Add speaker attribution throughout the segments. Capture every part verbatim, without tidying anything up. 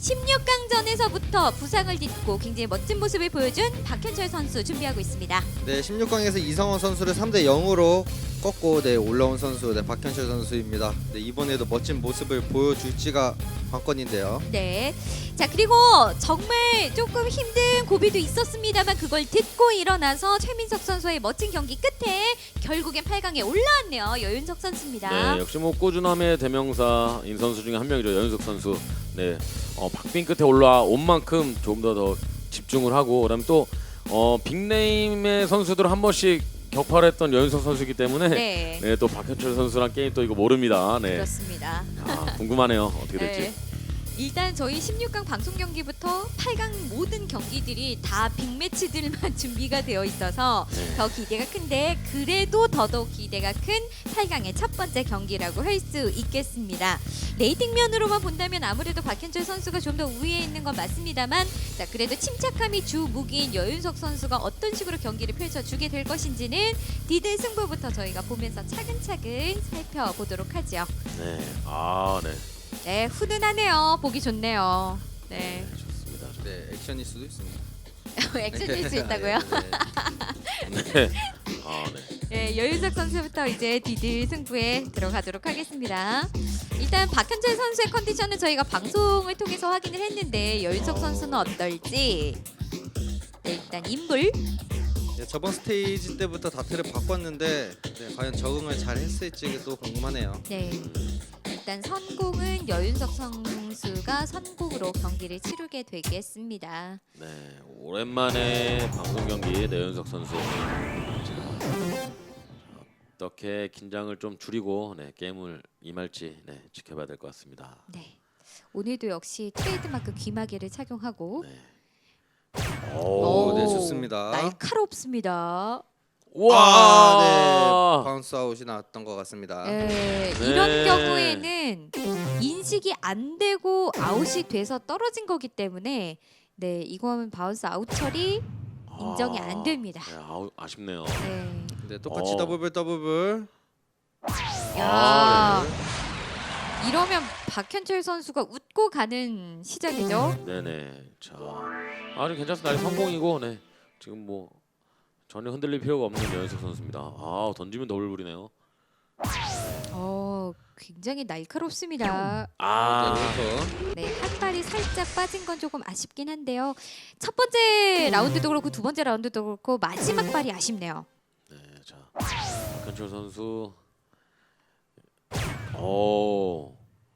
Speaker 1: 십육 강전에서부터 부상을 딛고 굉장히 멋진 모습을 보여준 박현철 선수 준비하고 있습니다.
Speaker 2: 네, 십육 강에서 이성원 선수를 삼 대 영으로 꺾고 네, 올라온 선수 네, 박현철 선수입니다. 네, 이번에도 멋진 모습을 보여줄지가 관건인데요.
Speaker 1: 네. 자, 그리고 정말 조금 힘든 고비도 있었습니다만 그걸 딛고 일어나서 최민석 선수의 멋진 경기 끝에 결국엔 팔 강에 올라왔네요. 여윤석 선수입니다.
Speaker 3: 네, 역시 뭐 꾸준함의 대명사인 선수 중에 한 명이죠. 여윤석 선수. 네, 어, 박빙 끝에 올라온 만큼 조금 더 더 집중을 하고, 그다음에 또 어, 빅네임의 선수들 한 번씩 격파를 했던 여윤석 선수이기 때문에
Speaker 1: 네.
Speaker 3: 네, 또 박현철 선수랑 게임 또 이거 모릅니다. 네,
Speaker 1: 그렇습니다.
Speaker 3: 아, 궁금하네요. 어떻게 될지.
Speaker 1: 네. 일단 저희 십육 강 방송 경기부터 팔 강 모든 경기들이 다 빅매치들만 준비가 되어 있어서
Speaker 3: 네.
Speaker 1: 더 기대가 큰데 그래도 더더욱 기대가 큰 팔 강의 첫 번째 경기라고 할 수 있겠습니다. 레이팅 면으로만 본다면 아무래도 박현철 선수가 좀 더 우위에 있는 건 맞습니다만, 자, 그래도 침착함이 주 무기인 여윤석 선수가 어떤 식으로 경기를 펼쳐주게 될 것인지는 디드 승부부터 저희가 보면서 차근차근 살펴보도록 하죠.
Speaker 3: 네, 아, 네.
Speaker 1: 네, 훈훈하네요. 보기 좋네요. 네.
Speaker 3: 네, 좋습니다.
Speaker 2: 네, 액션일 수도 있습니다.
Speaker 1: 액션일 수 있다고요?
Speaker 2: 네, 네.
Speaker 3: 네, 아, 네.
Speaker 1: 네, 여윤석 선수부터 이제 디드 승부에 들어가도록 하겠습니다. 일단 박현철 선수의 컨디션은 저희가 방송을 통해서 확인을 했는데 여윤석 선수는 어떨지. 네, 일단 인불.
Speaker 2: 네, 저번 스테이지 때부터 다트를 바꿨는데 네, 과연 적응을 잘 했을지 또 궁금하네요.
Speaker 1: 네. 일단 선공은 여윤석 선수가 선공으로 경기를 치르게 되겠습니다.
Speaker 3: 네, 오랜만에 방송 경기 내윤석 선수. 자, 어떻게 긴장을 좀 줄이고 네, 게임을 임할지 네, 지켜봐야 될 것 같습니다.
Speaker 1: 네. 오늘도 역시 트레이드마크 귀마개를 착용하고
Speaker 3: 네.
Speaker 2: 오,
Speaker 3: 오,
Speaker 2: 네, 좋습니다.
Speaker 1: 날카롭습니다.
Speaker 3: 와,
Speaker 2: 아, 네, 바운스 아웃이 나왔던 것 같습니다.
Speaker 1: 네,
Speaker 3: 네.
Speaker 1: 이런 경우에는 인식이 안 되고 아웃이 돼서 떨어진 거기 때문에 네, 이건 바운스 아웃 처리 인정이
Speaker 3: 아,
Speaker 1: 안 됩니다.
Speaker 3: 네, 아우, 아쉽네요.
Speaker 1: 네.
Speaker 2: 네, 똑같이
Speaker 3: 어.
Speaker 2: 더블블 더블블.
Speaker 1: 야,
Speaker 3: 아,
Speaker 1: 이러면 박현철 선수가 웃고 가는 시작이죠.
Speaker 3: 네네. 자, 아니 괜찮습니다. 아직 성공이고, 네. 지금 뭐 전혀 흔들릴 필요가 없는 여윤석 선수입니다. 아, 던지면 더블불이네요.
Speaker 1: 어, 굉장히 날카롭습니다.
Speaker 3: 아,
Speaker 2: 네, 롤터.
Speaker 1: 네, 한 발이 살짝 빠진 건 조금 아쉽긴 한데요. 첫 번째 라운드도 그렇고 두 번째 라운드도 그렇고 마지막 발이 아쉽네요.
Speaker 3: 네, 자, 박현철 선수. 오,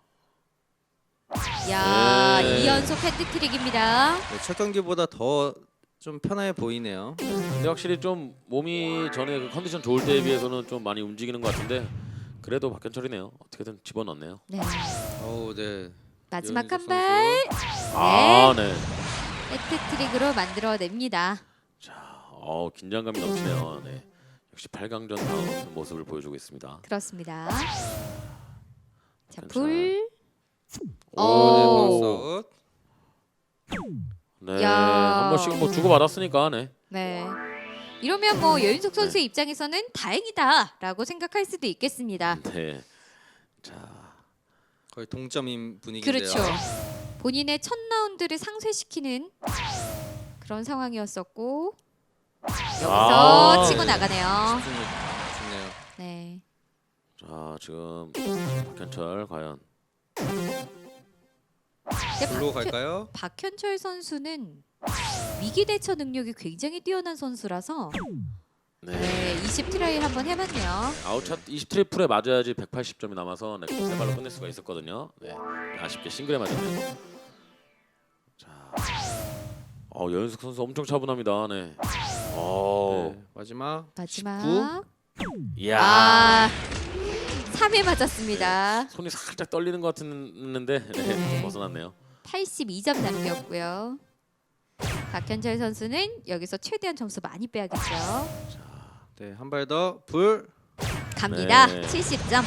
Speaker 1: 야,
Speaker 3: 네.
Speaker 1: 이 연속 헤드트릭입니다.
Speaker 2: 네, 첫 경기보다 더 좀 편해 보이네요.
Speaker 3: 근데 확실히 좀 몸이 전에 그 컨디션 좋을 때에 비해서는 좀 많이 움직이는 것 같은데 그래도 박현철이네요. 어떻게든 집어넣네요.
Speaker 1: 네,
Speaker 2: 오, 네.
Speaker 1: 마지막
Speaker 2: 여윤석
Speaker 1: 한 발.
Speaker 3: 아, 네.
Speaker 1: 헤트트릭으로 만들어냅니다.
Speaker 3: 자, 어, 긴장감이 넘치네요. 네. 역시 팔 강전 다운 모습을 보여주고 있습니다.
Speaker 1: 그렇습니다. 자,
Speaker 3: 괜찮아요.
Speaker 1: 불.
Speaker 2: 오, 네,
Speaker 1: 오.
Speaker 2: 바운스 아웃.
Speaker 3: 네,
Speaker 1: 야.
Speaker 3: 한 번씩 뭐 주고 받았으니까, 네.
Speaker 1: 네. 이러면 뭐 여윤석 선수의 입장에서는 다행이다라고 생각할 수도 있겠습니다.
Speaker 3: 네. 자,
Speaker 2: 거의 동점인 분위기인데요.
Speaker 1: 그렇죠. 본인의 첫 라운드를 상쇄시키는 그런 상황이었었고 여기서
Speaker 3: 아.
Speaker 1: 치고 나가네요.
Speaker 2: 좋네요.
Speaker 1: 네.
Speaker 3: 자 지금 박현철 과연
Speaker 1: 근데
Speaker 2: 불로
Speaker 1: 박현,
Speaker 2: 갈까요?
Speaker 1: 박현철 선수는 위기 대처 능력이 굉장히 뛰어난 선수라서
Speaker 3: 네.
Speaker 1: 네, 이십 트라이 한번 해봤네요.
Speaker 3: 아웃샷 이십 트리플에 맞아야지 백팔십 점이 남아서 네, 세 발로 끝낼 수가 있었거든요. 네. 아쉽게 싱글에 맞았네요. 자, 어, 여윤석 선수 엄청 차분합니다. 네. 어,
Speaker 2: 네, 마지막.
Speaker 1: 마지막.
Speaker 3: 이야.
Speaker 1: 아, 삼 회 맞았습니다.
Speaker 3: 손이 살짝 떨리는 것 같았는데 네,
Speaker 1: 네.
Speaker 3: 좀 벗어났네요.
Speaker 1: 팔십이 점 남겼고요. 박현철 선수는 여기서 최대한 점수 많이 빼야겠죠.
Speaker 2: 네, 한 발 더. 불.
Speaker 1: 갑니다.
Speaker 3: 네.
Speaker 1: 칠십 점.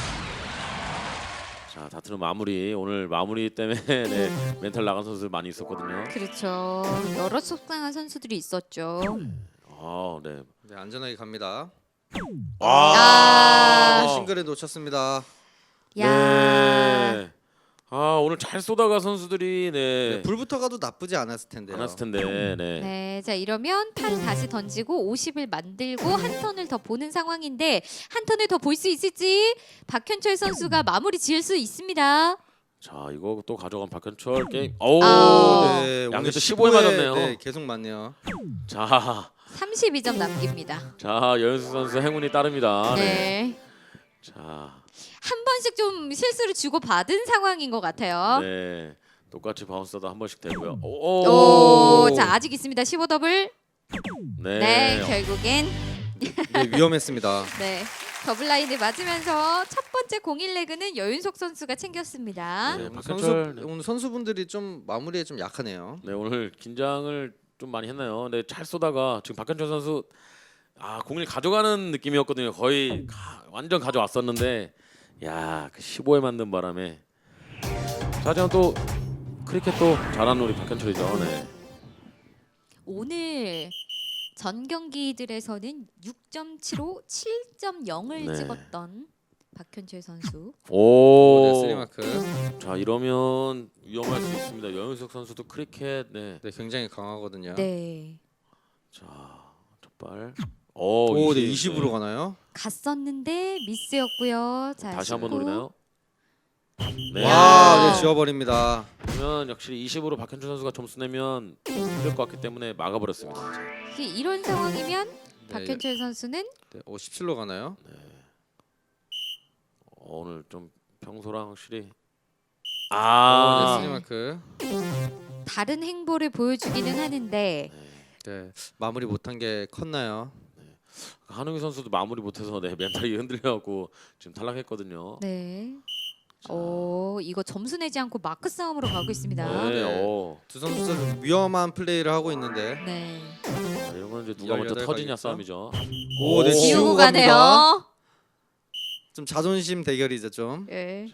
Speaker 3: 자, 다트는 마무리. 오늘 마무리 때문에 네, 멘탈 나간 선수들 많이 있었거든요.
Speaker 1: 그렇죠. 여러 속상한 선수들이 있었죠.
Speaker 3: 아, 네.
Speaker 2: 네, 안전하게 갑니다.
Speaker 1: 아.
Speaker 2: 네, 싱글에 놓쳤습니다.
Speaker 1: 야.
Speaker 3: 네. 아, 오늘 잘 쏘다가 선수들이 네,
Speaker 2: 네, 불부터 가도 나쁘지 않았을 텐데요.
Speaker 3: 안 왔을 텐데. 네.
Speaker 1: 네, 자 이러면 팔 다시 던지고 오십을 만들고 한 턴을 더 보는 상황인데 한 턴을 더 볼 수 있을지 박현철 선수가 마무리 지을 수 있습니다.
Speaker 3: 자, 이거 또 가져간 박현철 게임. 오.
Speaker 1: 아.
Speaker 2: 네, 오늘
Speaker 3: 양에서 십오에 맞았네요.
Speaker 2: 네, 계속 맞네요.
Speaker 3: 자,
Speaker 1: 삼십이 점 남깁니다.
Speaker 3: 자, 여윤수 선수 행운이 따릅니다. 네.
Speaker 1: 네.
Speaker 3: 자,
Speaker 1: 한 번씩 좀 실수를 주고 받은 상황인 것 같아요.
Speaker 3: 네. 똑같이 바운스도 한 번씩 되고요. 오.
Speaker 1: 오, 자 아직 있습니다. 십오 더블.
Speaker 3: 네.
Speaker 1: 네, 결국엔
Speaker 2: 네, 위험했습니다.
Speaker 1: 네 더블 라인을 맞으면서 첫 번째 공일 레그는 여윤석 선수가 챙겼습니다.
Speaker 3: 네,
Speaker 2: 오늘
Speaker 3: 박현철,
Speaker 2: 선수
Speaker 3: 네.
Speaker 2: 오늘 선수분들이 좀 마무리에 좀 약하네요.
Speaker 3: 네, 오늘 긴장을 좀 많이 했나요? 네, 잘 쏘다가 지금 박현철 선수 아, 공을 가져가는 느낌이었거든요. 거의 가, 완전 가져왔었는데 야, 그 십오에 만든 바람에 자, 하지만 또 크리켓 또 잘하는 우리 박현철이죠. 네.
Speaker 1: 오늘 전 경기들에서는 육 점 칠오, 칠 점 영을
Speaker 3: 네.
Speaker 1: 찍었던 박현철 선수.
Speaker 2: 오, 네,
Speaker 3: 오.
Speaker 2: 쓰리마크.
Speaker 3: 자, 이러면 위험할 수 있습니다. 여윤석 선수도 크리켓 네.
Speaker 2: 네, 굉장히 강하거든요.
Speaker 1: 네.
Speaker 3: 자, 첫발. 오,
Speaker 2: 오, 네,
Speaker 3: 이십,
Speaker 2: 이십으로
Speaker 3: 네.
Speaker 2: 가나요?
Speaker 1: 갔었는데 미스였고요. 자,
Speaker 3: 다시 한번
Speaker 1: 십구.
Speaker 3: 노리나요? 네.
Speaker 2: 와, 네, 지워버립니다.
Speaker 3: 그러면 역시 이십으로 박현철 선수가 점수 내면 힘들 것 같기 때문에 막아버렸습니다. 자,
Speaker 1: 이게 이런 상황이면
Speaker 2: 네,
Speaker 1: 박현철 선수는
Speaker 2: 네, 오, 십칠로 가나요?
Speaker 3: 어, 오늘 좀 평소랑 확실히
Speaker 2: 아,
Speaker 3: 아,
Speaker 2: 네, 쓰리마크.
Speaker 1: 다른 행보를 보여주기는 하는데
Speaker 2: 네, 마무리 못한 게 컸나요?
Speaker 3: 한웅희 선수도 마무리 못해서 네, 멘탈이 흔들려갖고 지금 탈락했거든요.
Speaker 1: 네. 오, 이거 점수 내지 않고 마크 싸움으로 가고 있습니다.
Speaker 3: 네,
Speaker 2: 네.
Speaker 3: 어.
Speaker 2: 두 선수 좀 위험한 플레이를 하고 있는데.
Speaker 1: 네.
Speaker 3: 자, 이런 건 이제 누가 먼저
Speaker 2: 열여덟
Speaker 3: 터지냐
Speaker 2: 가겠죠?
Speaker 3: 싸움이죠.
Speaker 2: 오, 네,
Speaker 3: 오.
Speaker 2: 지우고
Speaker 1: 지우고
Speaker 2: 갑니다.
Speaker 1: 가네요.
Speaker 2: 좀 자존심 대결이죠, 좀.
Speaker 1: 네.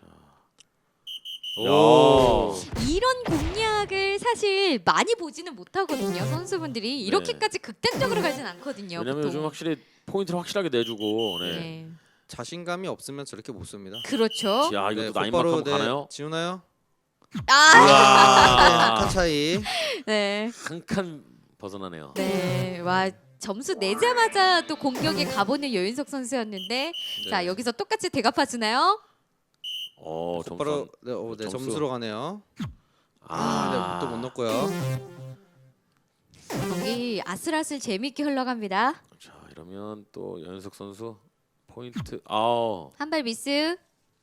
Speaker 2: 오.
Speaker 1: 이런 공략을 사실 많이 보지는 못하거든요. 선수분들이 이렇게까지 극단적으로 가진 않거든요.
Speaker 3: 왜냐면
Speaker 1: 보통.
Speaker 3: 요즘 확실히 포인트를 확실하게 내주고 네.
Speaker 1: 네.
Speaker 2: 자신감이 없으면 저렇게 못 씁니다.
Speaker 1: 그렇죠.
Speaker 3: 야, 이것도
Speaker 2: 네,
Speaker 3: 나인만큼
Speaker 2: 곧바로, 네,
Speaker 3: 가나요?
Speaker 2: 지우나요?
Speaker 1: 아,
Speaker 3: 우와.
Speaker 2: 한 차이.
Speaker 1: 네.
Speaker 3: 한 칸 벗어나네요.
Speaker 1: 네. 와, 점수 내자마자 또 공격에 가보는 여윤석 선수였는데
Speaker 2: 네.
Speaker 1: 자, 여기서 똑같이 대갚아 주나요?
Speaker 3: 어,
Speaker 2: 곧바로
Speaker 3: 점수.
Speaker 2: 네, 오, 네,
Speaker 3: 점수.
Speaker 2: 점수로 가네요.
Speaker 3: 아,
Speaker 2: 아, 네, 또 못 넣고요.
Speaker 1: 경기 아슬아슬 재밌게 흘러갑니다.
Speaker 3: 자, 이러면 또 연석 선수 포인트. 아,
Speaker 1: 한 발 미스.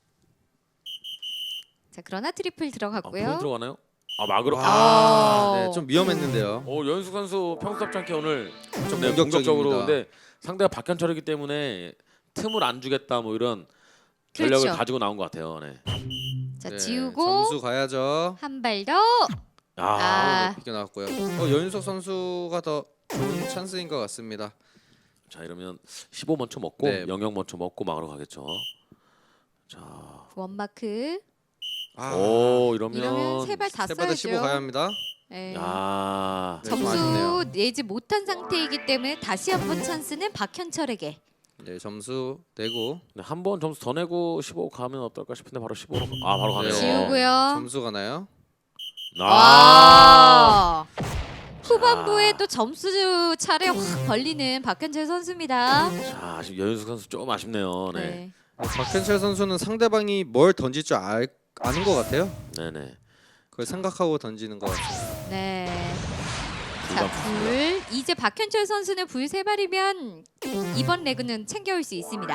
Speaker 1: 자, 그러나 트리플
Speaker 3: 아
Speaker 1: 들어갔고요.
Speaker 3: 포인트로 가나요? 아, 막으로. 아.
Speaker 2: 아,
Speaker 1: 아.
Speaker 2: 네, 좀 위험했는데요.
Speaker 3: 어, 연숙 선수 평소답지 않게 오늘
Speaker 2: 좀
Speaker 3: 네,
Speaker 2: 공격적입니다.
Speaker 3: 공격적으로 근데 상대가 박현철이기 때문에 틈을 안 주겠다 뭐 이런 전략을
Speaker 1: 그렇죠.
Speaker 3: 가지고 나온 것 같아요. 네.
Speaker 1: 자,
Speaker 2: 네,
Speaker 1: 지우고
Speaker 2: 점수 가야죠.
Speaker 1: 한 발 더.
Speaker 3: 아,
Speaker 1: 아.
Speaker 2: 비겨 나왔고요. 어, 여윤석 선수가 더 좋은 찬스인 것 같습니다.
Speaker 3: 자, 이러면 십오 먼저 먹고
Speaker 2: 네.
Speaker 3: 영영 먼저 먹고 막으러 가겠죠. 자,
Speaker 1: 원마크.
Speaker 2: 아,
Speaker 3: 오 이러면,
Speaker 1: 이러면 세 발 다
Speaker 2: 세바다 십오 가야
Speaker 1: 써야죠.
Speaker 2: 합니다.
Speaker 1: 네.
Speaker 3: 야,
Speaker 2: 네, 좀
Speaker 1: 점수
Speaker 2: 아쉽네요.
Speaker 1: 내지 못한 상태이기 때문에 다시 한번 찬스는 박현철에게.
Speaker 2: 네, 점수 내고
Speaker 3: 네, 한 번 점수 더 내고 십오 가면 어떨까 싶은데 바로 십오로 아 바로 가네요.
Speaker 2: 네.
Speaker 1: 지우고요.
Speaker 2: 점수 가나요?
Speaker 3: 아,
Speaker 1: 와. 후반부에 또 점수 차례 확 벌리는 박현철 선수입니다.
Speaker 3: 자, 아쉽 여윤숙 선수 좀 아쉽네요. 네,
Speaker 1: 네.
Speaker 2: 어, 박현철 선수는 상대방이 뭘 던질 줄 알, 아는 것 같아요.
Speaker 3: 네, 네.
Speaker 2: 그걸 생각하고 던지는 것 같습니다.
Speaker 1: 네. 자,
Speaker 3: 불감.
Speaker 1: 불. 이제 박현철 선수는 불 세 발이면 이번 레그는 챙겨올 수 있습니다.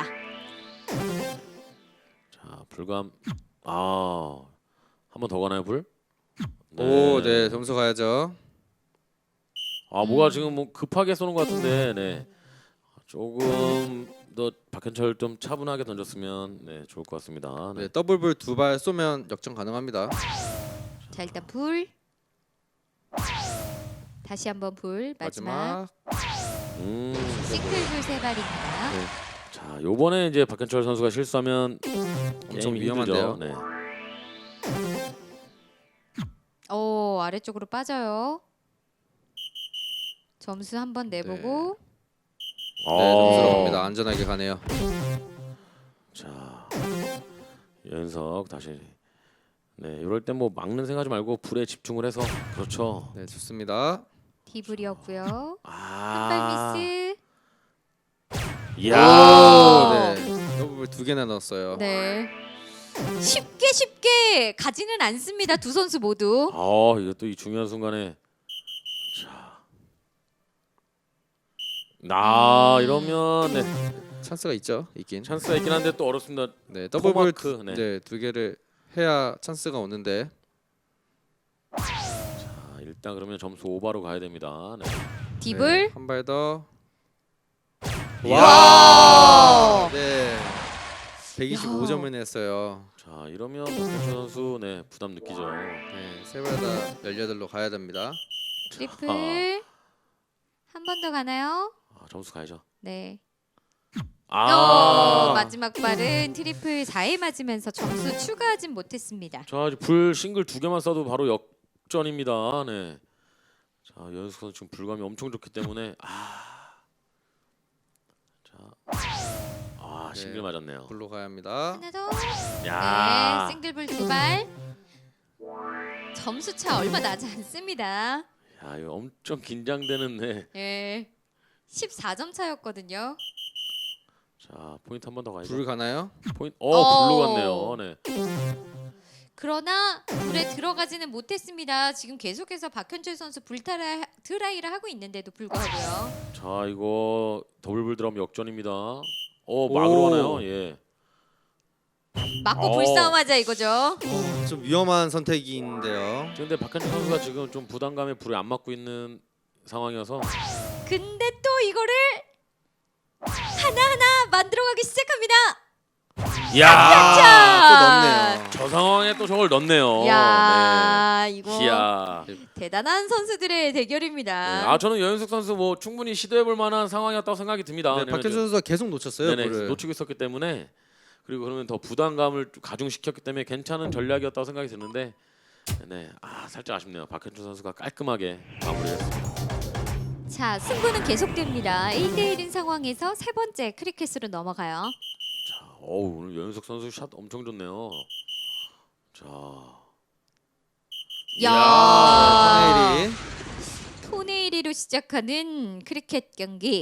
Speaker 3: 자, 불감. 아, 한 번 더 가나요 불?
Speaker 2: 오, 네, 점수 가야죠.
Speaker 3: 아, 뭐가 지금 뭐 급하게 쏘는 것 같은데, 네. 조금 더 박현철 좀 차분하게 던졌으면 네 좋을 것 같습니다. 네.
Speaker 2: 네, 더블볼 두 발 쏘면 역전 가능합니다.
Speaker 1: 자, 일단 불. 다시 한번 불. 마지막.
Speaker 2: 마지막.
Speaker 3: 음,
Speaker 1: 싱글 불 세 발입니다.
Speaker 3: 네. 자, 요번에 이제 박현철 선수가 실수하면
Speaker 2: 엄청
Speaker 3: 게임이
Speaker 2: 위험한데요.
Speaker 3: 힘들죠. 네.
Speaker 1: 오, 아래쪽으로 빠져요. 점수 한번 내보고.
Speaker 2: 네, 점수로
Speaker 3: 어.
Speaker 2: 갑니다. 안전하게 가네요.
Speaker 3: 자, 연석 다시 네, 이럴 때 뭐 막는 생각하지 말고 불에 집중을 해서 그렇죠.
Speaker 2: 네, 좋습니다.
Speaker 1: 디블이었고요.
Speaker 3: 아,
Speaker 1: 한발 미스.
Speaker 3: 이야,
Speaker 2: 오, 네. 더블 두 개나 넣었어요.
Speaker 1: 네. 쉽게 쉽게 가지는 않습니다. 두 선수 모두.
Speaker 3: 아, 이거 또 이 중요한 순간에 자, 나
Speaker 1: 음.
Speaker 3: 이러면 네,
Speaker 2: 찬스가 있죠. 있긴.
Speaker 3: 찬스가 있긴 한데 또 어렵습니다.
Speaker 2: 네, 더블 볼
Speaker 3: 토마크, 네.
Speaker 2: 네, 두 개를 해야 찬스가 오는데.
Speaker 3: 자, 일단 그러면 점수 오버로 가야 됩니다. 네.
Speaker 1: 디블.
Speaker 2: 한 발 더.
Speaker 1: 와!
Speaker 2: 네. 백이십오 점을 냈어요.
Speaker 3: 자, 이러면 박현철 선수 네 부담 느끼죠.
Speaker 2: 네, 세 발 다 열여덟로 가야 됩니다.
Speaker 1: 트리플.
Speaker 3: 아.
Speaker 1: 한 번 더 가나요?
Speaker 3: 아, 점수 가야죠.
Speaker 1: 네.
Speaker 3: 아,
Speaker 1: 어, 마지막 발은 트리플 사에 맞으면서 점수 추가하진 못했습니다.
Speaker 3: 자, 이제 불 싱글 두 개만 쏴도 바로 역전입니다. 네. 자, 연숙 선수 지금 불감이 엄청 좋기 때문에 아, 자, 아
Speaker 2: 네.
Speaker 3: 싱글 맞았네요.
Speaker 2: 불로 가야 합니다.
Speaker 1: 하나 더.
Speaker 3: 야,
Speaker 1: 네, 싱글불 두 발. 점수 차 얼마 나지 않습니다.
Speaker 3: 야, 이거 엄청 긴장되는 네.
Speaker 1: 네. 십사 점 차였거든요.
Speaker 3: 자, 포인트 한 번 더 가야죠.
Speaker 2: 불 가나요?
Speaker 3: 포인트, 어,
Speaker 1: 어.
Speaker 3: 불로 갔네요. 네.
Speaker 1: 그러나 불에 들어가지는 못했습니다. 지금 계속해서 박현철 선수 불타라 드라이를 하고 있는데도 불구하고요.
Speaker 3: 자, 이거 더블불 들어가면 역전입니다. 어, 막으로
Speaker 2: 오.
Speaker 3: 가나요? 예.
Speaker 1: 맞고
Speaker 3: 어.
Speaker 1: 불싸움하자 이거죠.
Speaker 2: 어, 좀 위험한 선택인데요.
Speaker 3: 근데 박현철 선수가 지금 좀 부담감에 불에 안 맞고 있는 상황이어서
Speaker 1: 근데 또 이거를 하나하나 만들어가기 시작합니다.
Speaker 3: 야,
Speaker 2: 아, 또 넣네요.
Speaker 3: 저 상황에 또 저걸 넣네요.
Speaker 1: 야, 이거
Speaker 3: 네. 이야.
Speaker 1: 대단한 선수들의
Speaker 3: 네.
Speaker 1: 대결입니다.
Speaker 3: 아, 저는 여윤석 선수 뭐 충분히 시도해볼 만한 상황이었다고 생각이 듭니다.
Speaker 2: 네,
Speaker 3: 왜냐면
Speaker 2: 박현준 선수가 계속 놓쳤어요.
Speaker 3: 네네,
Speaker 2: 볼을.
Speaker 3: 놓치고 있었기 때문에 그리고 그러면 더 부담감을 좀 가중시켰기 때문에 괜찮은 전략이었다고 생각이 드는데 네, 아 살짝 아쉽네요. 박현준 선수가 깔끔하게 마무리했습니다.
Speaker 1: 자, 승부는 계속됩니다. 일 대 일인 상황에서 세 번째 크리켓으로 넘어가요.
Speaker 3: 자, 어우 오늘 여윤석 선수 샷 엄청 좋네요. 자,
Speaker 1: 야.
Speaker 2: 토네일이
Speaker 1: 토네일이로 시작하는 크리켓 경기.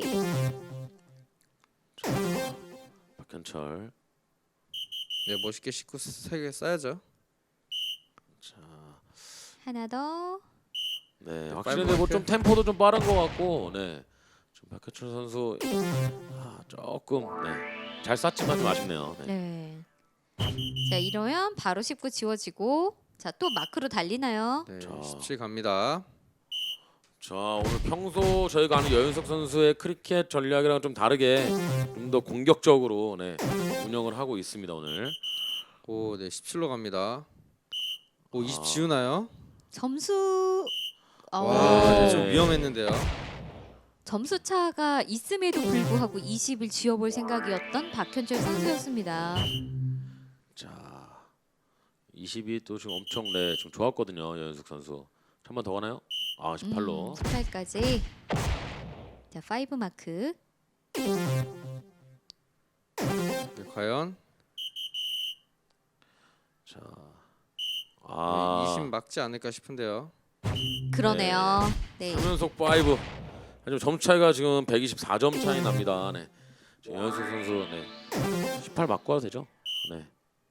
Speaker 3: 박현철.
Speaker 2: 네, 멋있게 십구 세 개 쌓야죠.
Speaker 3: 자,
Speaker 1: 하나 더.
Speaker 3: 네,
Speaker 2: 네,
Speaker 3: 확실히
Speaker 2: 빨리
Speaker 3: 뭐좀
Speaker 2: 이렇게.
Speaker 3: 템포도 좀 빠른 것 같고, 네, 좀 박현철 선수 아, 조금 네, 잘 쐈지만 좀 아쉽네요. 네.
Speaker 1: 네. 자, 이러면 바로 십구 지워지고 자, 또 마크로 달리나요?
Speaker 2: 네,
Speaker 3: 자.
Speaker 2: 십칠 갑니다.
Speaker 3: 자, 오늘 평소 저희가 아는 여윤석 선수의 크리켓 전략이랑 좀 다르게 좀 더 공격적으로 네, 운영을 하고 있습니다 오늘.
Speaker 2: 오, 네, 십칠로 갑니다. 오, 이십
Speaker 3: 아.
Speaker 2: 지우나요?
Speaker 1: 점수 어,
Speaker 2: 와,
Speaker 3: 네.
Speaker 2: 좀 위험했는데요.
Speaker 1: 점수 차가 있음에도 불구하고 이십을 지워볼 생각이었던 박현철 선수였습니다.
Speaker 3: 자, 이십이 또 지금 엄청 네, 좀 좋았거든요 여윤석 선수. 한 번 더 가나요? 아, 십팔로.
Speaker 1: 음, 십팔까지. 자, 파이브 마크.
Speaker 2: 네, 과연
Speaker 3: 자, 아,
Speaker 2: 네, 이십 막지 않을까 싶은데요.
Speaker 1: 그러네요. 네.
Speaker 3: 삼 연속 파이브. 지금 점 차이가 지금 백이십사 점 차이 납니다. 네. 지금 여윤석 선수 네. 십팔 맞고 와도 되죠? 네.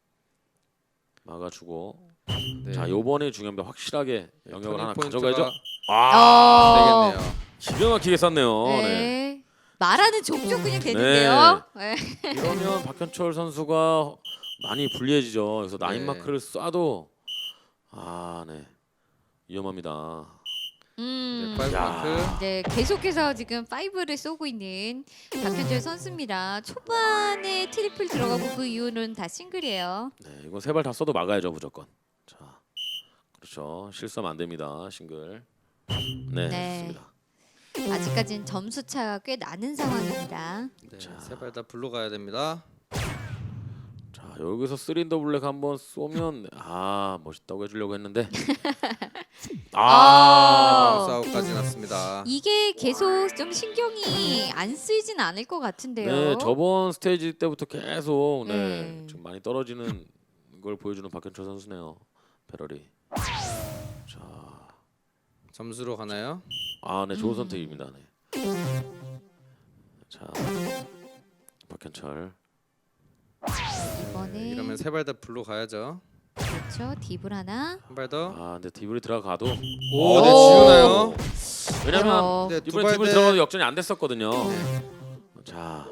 Speaker 3: 막아주고.
Speaker 2: 네.
Speaker 3: 자, 요번에 중요합니다. 확실하게
Speaker 2: 네,
Speaker 3: 영역을 하나
Speaker 2: 터닝
Speaker 3: 가져가야죠.
Speaker 2: 포인트가
Speaker 3: 아,
Speaker 1: 어,
Speaker 2: 되겠네요.
Speaker 3: 기가 막히게 쐈네요.
Speaker 1: 네.
Speaker 3: 네.
Speaker 1: 말하는 족족 그냥 되는데요. 네.
Speaker 3: 이러면 박현철 선수가 많이 불리해지죠. 그래서 나인
Speaker 2: 네.
Speaker 3: 마크를 쏴도 아, 네. 위험합니다.
Speaker 1: 음.
Speaker 2: 네, 파이브
Speaker 3: 야.
Speaker 2: 마크.
Speaker 1: 네, 계속해서 지금 파이브를 쏘고 있는 박현철 선수입니다. 초반에 트리플 들어가고 그 이후는 다 싱글이에요.
Speaker 3: 네, 이건 세 발 다 쏴도 막아야죠, 무조건. 자, 그렇죠. 실수하면 안 됩니다. 싱글. 네,
Speaker 1: 네.
Speaker 3: 좋습니다.
Speaker 1: 아직까지는 점수 차가 꽤 나는 상황입니다.
Speaker 2: 네,
Speaker 3: 자.
Speaker 2: 세 발 다 불로 가야 됩니다.
Speaker 3: 자, 여기서 쓰린더 블랙 한번 쏘면 아 멋있다고 해주려고 했는데 아,
Speaker 1: 어.
Speaker 2: 바운스 아웃까지 났습니다.
Speaker 1: 이게 계속 좀 신경이 안 쓰이진 않을 것 같은데요.
Speaker 3: 네, 저번 스테이지 때부터 계속 네,
Speaker 1: 네.
Speaker 3: 좀 많이 떨어지는 걸 보여주는 박현철 선수네요. 배럴이. 자,
Speaker 2: 점수로 가나요?
Speaker 3: 아, 네, 좋은
Speaker 1: 음.
Speaker 3: 선택입니다. 네. 자, 박현철.
Speaker 1: 이번에
Speaker 2: 네, 이러면 세 발 다 불로 가야죠.
Speaker 1: 그렇죠. 딥을 하나.
Speaker 2: 한 발 더.
Speaker 3: 아, 근데 딥을 들어가도
Speaker 2: 오, 네,
Speaker 1: 오.
Speaker 2: 지우나요?
Speaker 3: 왜냐면
Speaker 1: 어,
Speaker 2: 네,
Speaker 3: 이번에
Speaker 2: 두발
Speaker 3: 딥을
Speaker 2: 대-
Speaker 3: 들어가도 역전이 안 됐었거든요.
Speaker 2: 네.
Speaker 3: 자,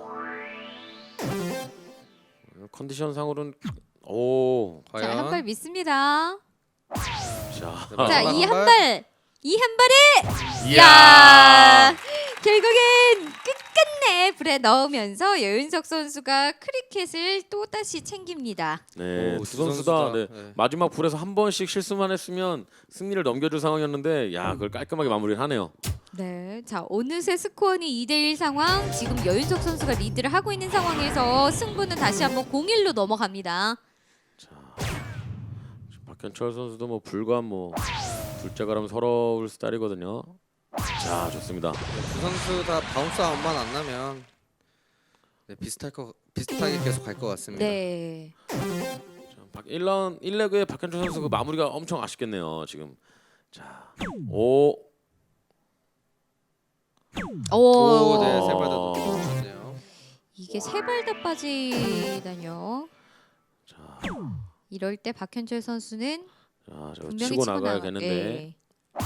Speaker 3: 컨디션 상으로는 오,
Speaker 1: 자,
Speaker 2: 과연
Speaker 1: 한 발 믿습니다.
Speaker 3: 자,
Speaker 2: 네,
Speaker 1: 자,
Speaker 2: 마지막
Speaker 1: 이
Speaker 2: 한
Speaker 1: 한
Speaker 2: 발.
Speaker 1: 발. 이 한 발에
Speaker 3: 이야,
Speaker 1: 야! 결국엔 끝끝내 불에 넣으면서 여윤석 선수가 크리켓을 또 다시 챙깁니다.
Speaker 3: 네,
Speaker 2: 오,
Speaker 3: 두
Speaker 2: 두
Speaker 3: 선수 다
Speaker 2: 선수 다,
Speaker 3: 네,
Speaker 2: 네.
Speaker 3: 마지막 불에서 한 번씩 실수만 했으면 승리를 넘겨줄 상황이었는데, 야, 그걸 깔끔하게 마무리를 하네요.
Speaker 1: 네. 자, 어느새 스코어는 이 대 일 상황. 지금 여윤석 선수가 리드를 하고 있는 상황에서 승부는 다시 한번 공일로 넘어갑니다.
Speaker 3: 자, 박현철 선수도 뭐 불과 뭐 둘째가라면 서러울 스타일이거든요. 자, 좋습니다.
Speaker 2: 두 선수 다 바운스 아웃만 안 나면 네, 비슷할 거 비슷하게 계속 갈 것 같습니다.
Speaker 1: 네.
Speaker 3: 자, 박 일 라운드 일 레그의 박현철 선수 그 마무리가 엄청 아쉽겠네요. 지금. 자, 오,
Speaker 1: 오.
Speaker 2: 오, 네, 세 발 다 놓쳤네요.
Speaker 1: 이게 세 발 다 빠지다뇨.
Speaker 3: 자,
Speaker 1: 이럴 때 박현철 선수는
Speaker 3: 자, 저
Speaker 1: 분명히
Speaker 3: 치고
Speaker 1: 치고
Speaker 3: 나가야겠는데.
Speaker 1: 네.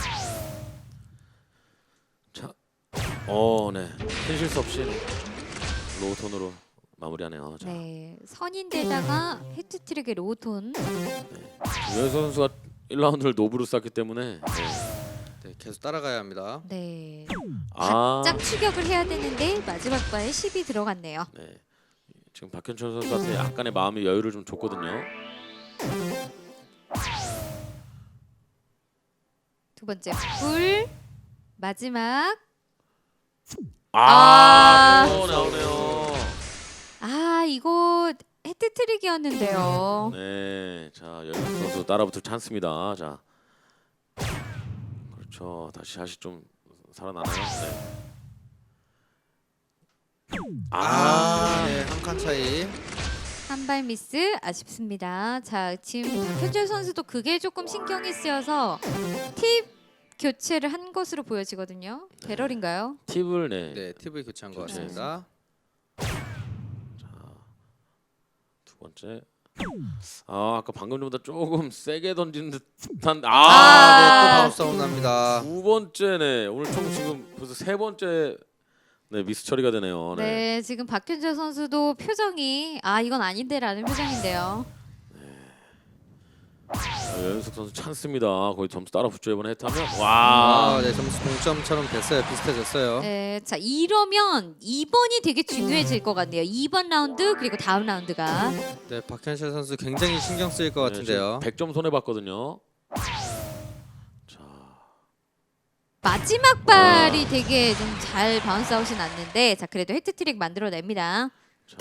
Speaker 3: 자, 어, 네, 큰 실수 없이 로우톤으로 마무리하네요. 자,
Speaker 1: 네. 선인데다가 헤트트릭의 로우톤.
Speaker 3: 유현 선수가 일 라운드를 노브로 쌌기 때문에. 네.
Speaker 2: 네, 계속 따라가야 합니다.
Speaker 1: 네.
Speaker 3: 아,
Speaker 1: 바짝 추격을 해야 되는데 마지막 발에 십이 들어갔네요.
Speaker 3: 네. 지금 박현철 선수한테 약간의 마음의 여유를 좀 줬거든요.
Speaker 1: 두 번째 불. 마지막.
Speaker 3: 아,
Speaker 1: 아.
Speaker 3: 또 나오네요.
Speaker 1: 아, 이거 헤트트릭이었는데요.
Speaker 3: 네, 자 여윤석 선수 따라붙을 찬스입니다. 자, 그렇죠. 다시 샷이 좀 살아나나요? 네.
Speaker 2: 아,
Speaker 3: 아,
Speaker 2: 네, 한 칸 차이.
Speaker 1: 한 발 미스 아쉽습니다. 자, 지금 박현철 선수도 그게 조금 신경이 쓰여서 팁 교체를 한 것으로 보여지거든요. 배럴인가요?
Speaker 3: 팁을 네.
Speaker 2: 네, 팁을 교체한 것
Speaker 3: 교체.
Speaker 2: 같습니다.
Speaker 3: 두 번째. 아, 아까 방금 전보다 조금 세게 던진 듯한.
Speaker 2: 아,
Speaker 3: 아,
Speaker 2: 네, 또
Speaker 1: 아.
Speaker 2: 바운스 아웃 납니다.
Speaker 3: 두 번째네. 오늘 총 지금 벌써 세 번째 네 미스 처리가 되네요.
Speaker 1: 네.
Speaker 3: 네.
Speaker 1: 지금 박현철 선수도 표정이 아 이건 아닌데라는 표정인데요.
Speaker 3: 자, 여윤석 선수 찬스입니다. 거의 점수 따라 붙죠 이번에 했다면. 와.
Speaker 2: 아, 네, 점수 동점처럼 됐어요. 비슷해졌어요.
Speaker 1: 네, 자 이러면 이 번이 되게 중요해질 것 같네요. 이 번 라운드 그리고 다음 라운드가
Speaker 2: 네, 박현철 선수 굉장히 신경 쓰일 것
Speaker 3: 네,
Speaker 2: 같은데요.
Speaker 3: 지금 백 점 손해 봤거든요. 자,
Speaker 1: 마지막 발이 되게 좀 잘 바운스 아웃이 났는데 자 그래도 헤트트릭 만들어냅니다.
Speaker 3: 자.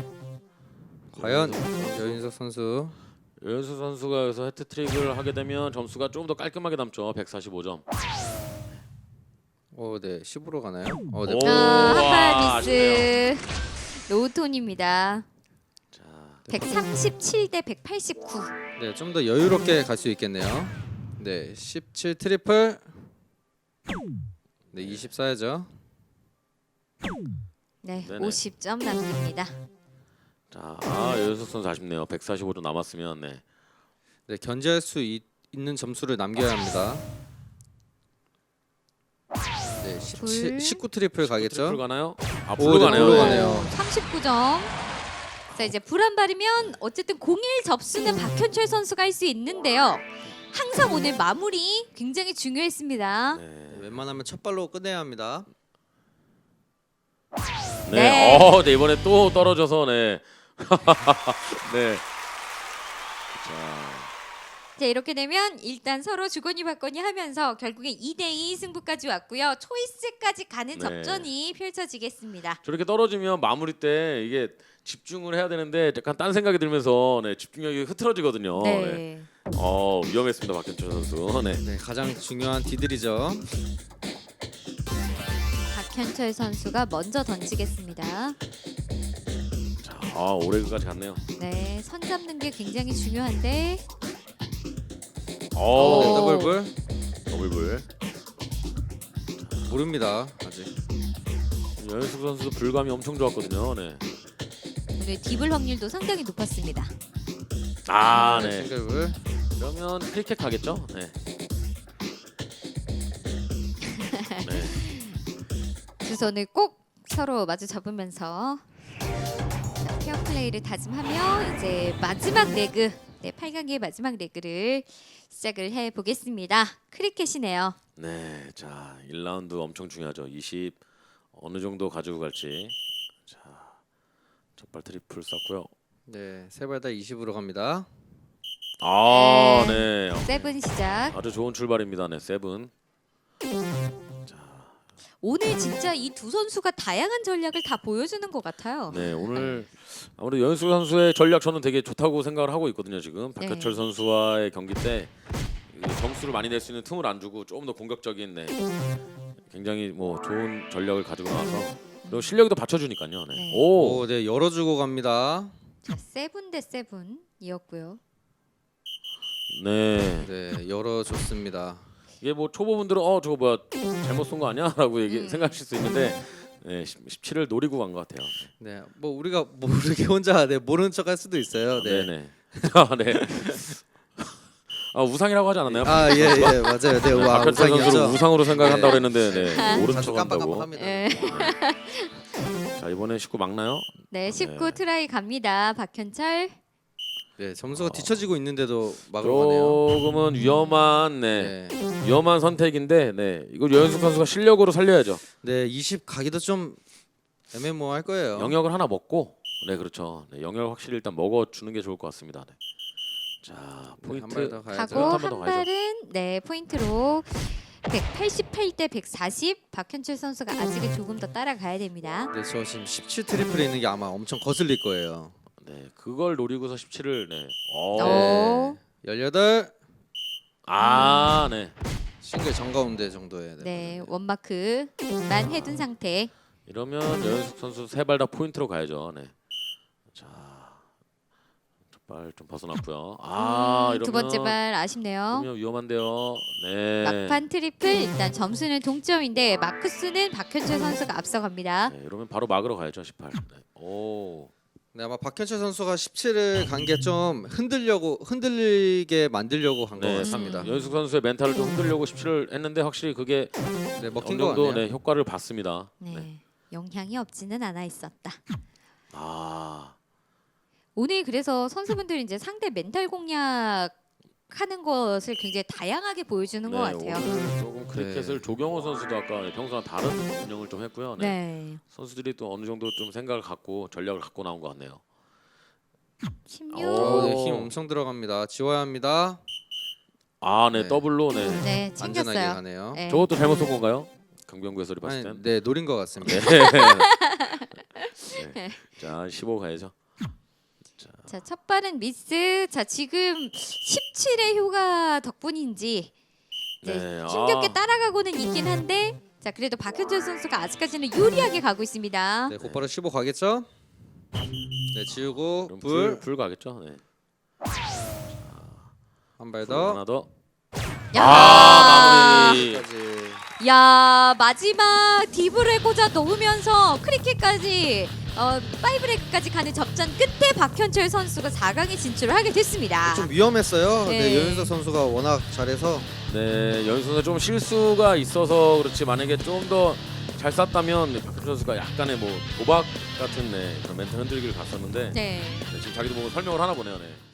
Speaker 2: 과연 여윤석 선수.
Speaker 3: 여윤석 선수가 여기서 해트트릭을 하게 되면 점수가 좀 더 깔끔하게 남죠. 백사십오 점.
Speaker 2: 오, 네, 십으로 가나요? 어, 네.
Speaker 3: 오.
Speaker 1: 아, 한
Speaker 3: 와,
Speaker 1: 발
Speaker 3: 아쉽네요.
Speaker 1: 미스. 로우톤입니다.
Speaker 3: 자,
Speaker 1: 백삼십칠 대 백팔십구.
Speaker 2: 네, 좀 더 여유롭게 갈 수 있겠네요. 네, 십칠 트리플. 네, 이십 써야죠.
Speaker 1: 네,
Speaker 3: 네네.
Speaker 1: 오십 점 남깁니다.
Speaker 3: 자, 아, 여윤석 선수 아쉽네요. 백사십오 점 남았으면 네.
Speaker 2: 네, 견제할 수 있, 있는 점수를 남겨야 합니다. 네, 십칠,
Speaker 1: 불.
Speaker 2: 십구 트리플 가겠죠?
Speaker 3: 트리플 가나요? 아,
Speaker 2: 오,
Speaker 3: 불로
Speaker 2: 네,
Speaker 3: 가네요.
Speaker 2: 불로
Speaker 3: 네.
Speaker 2: 가네요.
Speaker 1: 삼십구 점. 자 이제 불한 발이면 어쨌든 공일 접수는 박현철 선수가 할 수 있는데요. 항상 오늘 마무리 굉장히 중요했습니다.
Speaker 3: 네.
Speaker 2: 네, 웬만하면 첫 발로 끝내야 합니다.
Speaker 3: 네.
Speaker 1: 네.
Speaker 3: 어, 네 이번에 또 떨어져서 네. 네. 자,
Speaker 1: 자 이렇게 되면 일단 서로 주거니 받거니 하면서 결국에 이 대 이 승부까지 왔고요. 초이스까지 가는
Speaker 3: 네.
Speaker 1: 접전이 펼쳐지겠습니다.
Speaker 3: 저렇게 떨어지면 마무리 때 이게 집중을 해야 되는데 약간 딴 생각이 들면서 네, 집중력이 흐트러지거든요. 네.
Speaker 1: 네.
Speaker 3: 어, 위험했습니다. 박현철 선수. 네.
Speaker 2: 네, 가장 중요한 디들이죠.
Speaker 1: 박현철 선수가 먼저 던지겠습니다.
Speaker 3: 자, 아, 오레그까지 갔네요.
Speaker 1: 네, 선 잡는 게 굉장히 중요한데
Speaker 3: 어,
Speaker 2: 네, 더블불
Speaker 3: 더블불.
Speaker 2: 모릅니다 아직.
Speaker 3: 연숙 선수도 불감이 엄청 좋았거든요. 네.
Speaker 1: 오늘 딥을 확률도 상당히 높았습니다.
Speaker 3: 아,
Speaker 2: 네,
Speaker 3: 네.
Speaker 2: 싱글불.
Speaker 3: 그러면 크리켓 가겠죠? 네. 네.
Speaker 1: 두 손을 꼭 서로 마주 잡으면서 자, 페어 플레이를 다짐하며 이제 마지막 레그, 네, 팔 강의 마지막 레그를 시작을 해 보겠습니다. 크리켓이네요.
Speaker 3: 네. 자, 일 라운드 엄청 중요하죠. 이십 어느 정도 가지고 갈지. 자. 첫발 트리플 쐈고요.
Speaker 2: 네, 세 발 다 이십으로 갑니다.
Speaker 3: 아, 네.
Speaker 1: 세븐 시작.
Speaker 3: 아주 좋은 출발입니다. 네, 세븐.
Speaker 1: 오늘 진짜 이 두 선수가 다양한 전략을 다 보여주는 것 같아요.
Speaker 3: 네, 오늘 아무래도 연수 선수의 전략 저는 되게 좋다고 생각을 하고 있거든요. 지금 박효철
Speaker 1: 네.
Speaker 3: 선수와의 경기 때 점수를 많이 낼 수 있는 틈을 안 주고 조금 더 공격적인, 네, 굉장히 뭐 좋은 전략을 가지고 나와서 그리고 실력도 받쳐주니까요. 네.
Speaker 1: 네.
Speaker 3: 오,
Speaker 2: 오, 네, 열어주고 갑니다.
Speaker 1: 자, 세븐 대 세븐이었고요.
Speaker 3: 네.
Speaker 2: 네, 열어줬습니다.
Speaker 3: 이게 뭐 초보분들은 어 저거 뭐야 잘못 쏜 거 아니야?라고 얘기
Speaker 1: 음.
Speaker 3: 생각하실 수 있는데 네, 십칠을 노리고 간 것 같아요.
Speaker 2: 네, 뭐 우리가 모르게 혼자 네, 모르는 척할 수도 있어요.
Speaker 3: 네,
Speaker 2: 네.
Speaker 3: 네. 아, 네. 아, 우상이라고 하지 않았나요?
Speaker 2: 아, 예, 예, 맞아요. 네, 와,
Speaker 3: 박효철 선수를
Speaker 2: 우상이었죠.
Speaker 3: 우상으로 생각한다고
Speaker 2: 네.
Speaker 3: 그랬는데 네, 모른
Speaker 2: 자주
Speaker 3: 척한다고.
Speaker 2: 깜빡깜빡합니다.
Speaker 1: 네.
Speaker 3: 자, 이번에 십구 막나요?
Speaker 1: 네, 십구
Speaker 3: 네.
Speaker 1: 트라이 갑니다. 박현철.
Speaker 2: 네, 점수가 뒤처지고 있는데도 막으러 가네요.
Speaker 3: 조금은 위험한, 네,
Speaker 2: 네,
Speaker 3: 위험한 선택인데, 네, 이걸 여현숙 선수가 실력으로 살려야죠.
Speaker 2: 네, 이십 가기도 좀 애매모호할 거예요.
Speaker 3: 영역을 하나 먹고, 네, 그렇죠. 네, 영역 확실히 일단 먹어주는 게 좋을 것 같습니다. 네. 자,
Speaker 2: 네, 한
Speaker 3: 포인트.
Speaker 2: 발 더 가야죠.
Speaker 1: 가고
Speaker 3: 한번더
Speaker 1: 한
Speaker 3: 가야죠.
Speaker 1: 발은 네 포인트로 백팔십팔 대 백사십. 박현철 선수가 아직은 조금 더 따라가야 됩니다.
Speaker 2: 네, 저 지금 십칠 트리플에 있는 게 아마 엄청 거슬릴 거예요.
Speaker 3: 네, 그걸 노리고서 십칠을, 네. 오.
Speaker 1: 오.
Speaker 2: 네, 열여덟
Speaker 3: 아, 네.
Speaker 2: 싱글 정가운데 정도에.
Speaker 1: 네, 원마크만 해둔 상태.
Speaker 3: 이러면 여현숙 선수 세 발 다 포인트로 가야죠. 네. 자, 발 좀 벗어났고요. 아,
Speaker 1: 음,
Speaker 3: 이러면
Speaker 1: 두 번째 발 아쉽네요.
Speaker 3: 이러면 위험한데요. 네.
Speaker 1: 막판 트리플 일단 점수는 동점인데 마크스는 박현철 선수가 앞서갑니다.
Speaker 3: 네, 이러면 바로 막으러 가야죠. 십팔. 네. 오.
Speaker 2: 네, 아마 박현철 선수가 십칠을 간 게 좀 흔들려고 흔들리게 만들려고 한 것
Speaker 3: 네,
Speaker 2: 같습니다.
Speaker 3: 연숙 선수의 멘탈을 좀 흔들려고 십칠을 했는데 확실히 그게
Speaker 2: 네,
Speaker 3: 어느
Speaker 2: 먹힌 것
Speaker 3: 정도
Speaker 2: 같네요.
Speaker 3: 네, 효과를 봤습니다.
Speaker 1: 네,
Speaker 3: 네.
Speaker 1: 영향이 없지는 않아 있었다.
Speaker 3: 아,
Speaker 1: 오늘 그래서 선수분들이 이제 상대 멘탈 공략하는 것을 굉장히 다양하게 보여주는
Speaker 3: 네,
Speaker 1: 것 같아요.
Speaker 3: 오늘 조금 크리켓을
Speaker 2: 네.
Speaker 3: 조경호 선수도 아까 평소랑 다른 운영을 좀 했고요. 네.
Speaker 1: 네,
Speaker 3: 선수들이 또 어느 정도 좀 생각을 갖고 전략을 갖고 나온 것 같네요.
Speaker 1: 십육.
Speaker 2: 어, 네,
Speaker 3: 오.
Speaker 2: 힘 엄청 들어갑니다. 지워야 합니다.
Speaker 3: 아, 네,
Speaker 2: 네.
Speaker 3: 더블로 네.
Speaker 1: 네,
Speaker 2: 안전하게
Speaker 1: 챙겼어요.
Speaker 2: 가네요.
Speaker 1: 네.
Speaker 3: 저것도 잘못 쏜 건가요? 강병구 해설이 봤을
Speaker 2: 아니,
Speaker 3: 땐.
Speaker 2: 네, 노린 것 같습니다.
Speaker 3: 네. 자, 십오 가야죠.
Speaker 1: 자, 첫 발은 미스. 자, 지금 십칠의 효과 덕분인지 이제
Speaker 3: 네,
Speaker 1: 힘겹게
Speaker 3: 아.
Speaker 1: 따라가고는 있긴 한데 자, 그래도 박현철 선수가 아직까지는 유리하게 가고 있습니다.
Speaker 2: 네, 곧바로 십오 가겠죠? 네, 지우고
Speaker 3: 그럼
Speaker 2: 불
Speaker 3: 불, 불 가겠죠. 네.
Speaker 2: 한 발
Speaker 3: 불
Speaker 2: 더.
Speaker 3: 하나 더.
Speaker 1: 야,
Speaker 3: 아, 마무리.
Speaker 2: 까지.
Speaker 1: 야, 마지막 디브를 꽂아 넣으면서 크리켓까지 어, 파이브레그까지 가는 접전 끝에 박현철 선수가 사 강에 진출을 하게 됐습니다.
Speaker 2: 좀 위험했어요. 네,
Speaker 1: 네.
Speaker 2: 여윤석 선수가 워낙 잘해서
Speaker 3: 네, 연수 선수 좀 실수가 있어서 그렇지 만약에 좀 더 잘 쐈다면 네, 박현철 선수가 약간의 뭐 도박 같은 네, 그런 멘탈 흔들기를 갔었는데
Speaker 1: 네.
Speaker 3: 네, 지금 자기도 보고 설명을 하나 보네요. 네.